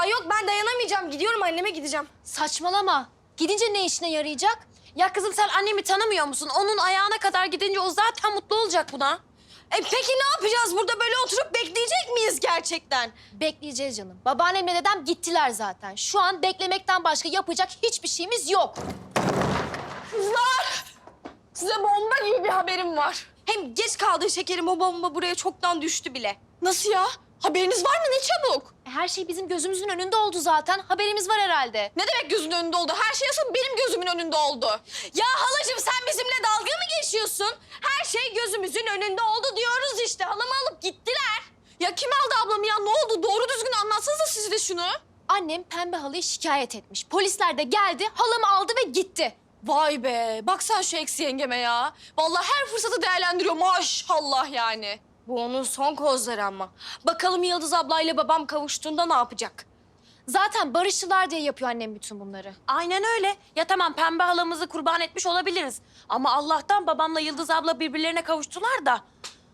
Ay yok ben dayanamayacağım. Gidiyorum anneme gideceğim. Saçmalama. Gidince ne işine yarayacak? Ya kızım sen annemi tanımıyor musun? Onun ayağına kadar gidince o zaten mutlu olacak buna. Peki ne yapacağız? Burada böyle oturup bekleyecek miyiz gerçekten? Bekleyeceğiz canım. Babaannemle dedem gittiler zaten. Şu an beklemekten başka yapacak hiçbir şeyimiz yok. Kızlar! Size bomba gibi bir haberim var. Hem geç kaldı şekerim, o bomba buraya çoktan düştü bile. Nasıl ya? Haberiniz var mı? Ne çabuk? Her şey bizim gözümüzün önünde oldu zaten. Haberimiz var herhalde. Ne demek gözünün önünde oldu? Her şey asıl benim gözümün önünde oldu. Ya halacığım sen bizimle dalga mı geçiyorsun? Her şey gözümüzün önünde oldu diyoruz işte. Halamı alıp gittiler. Ya kim aldı ablamı ya? Ne oldu? Doğru düzgün anlatsanıza siz de şunu. Annem pembe halıyı şikayet etmiş. Polisler de geldi, halamı aldı ve gitti. Vay be. Bak sen şu eksi yengeme ya. Vallahi her fırsatı değerlendiriyor maşallah yani. Bu onun son kozları ama. Bakalım Yıldız ablayla babam kavuştuğunda ne yapacak? Zaten barışçılar diye yapıyor annem bütün bunları. Aynen öyle. Ya tamam pembe halamızı kurban etmiş olabiliriz. Ama Allah'tan babamla Yıldız abla birbirlerine kavuştular da.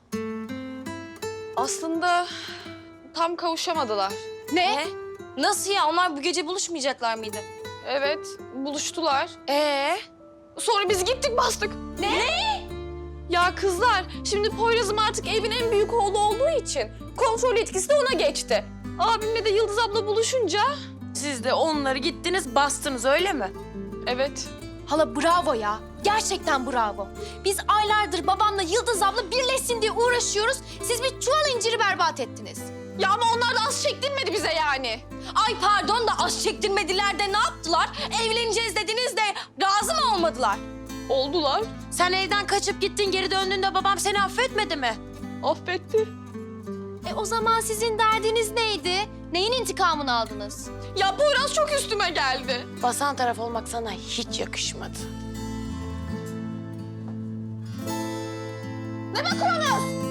Aslında tam kavuşamadılar. Ne? Nasıl ya? Onlar bu gece buluşmayacaklar mıydı? Evet, buluştular. Sonra biz gittik bastık. Ne? Ya kızlar, şimdi Poyraz'ım artık evin en büyük oğlu olduğu için kontrol etkisi de ona geçti. Abimle de Yıldız abla buluşunca... Siz de onları gittiniz bastınız öyle mi? Evet. Hala bravo ya. Gerçekten bravo. Biz aylardır babamla Yıldız abla birleşsin diye uğraşıyoruz. Siz bir çuval inciri berbat ettiniz. Ya ama onlar da az çektirmedi bize yani. Ay pardon da az çektirmediler de ne yaptılar? Evleneceğiz dediniz de razı mı olmadılar? Oldular. Sen evden kaçıp gittin geri döndüğünde babam seni affetmedi mi? Affetti. O zaman sizin derdiniz neydi? Neyin intikamını aldınız? Ya Poyraz çok üstüme geldi. Basan taraf olmak sana hiç yakışmadı. Ne bakıyorsunuz?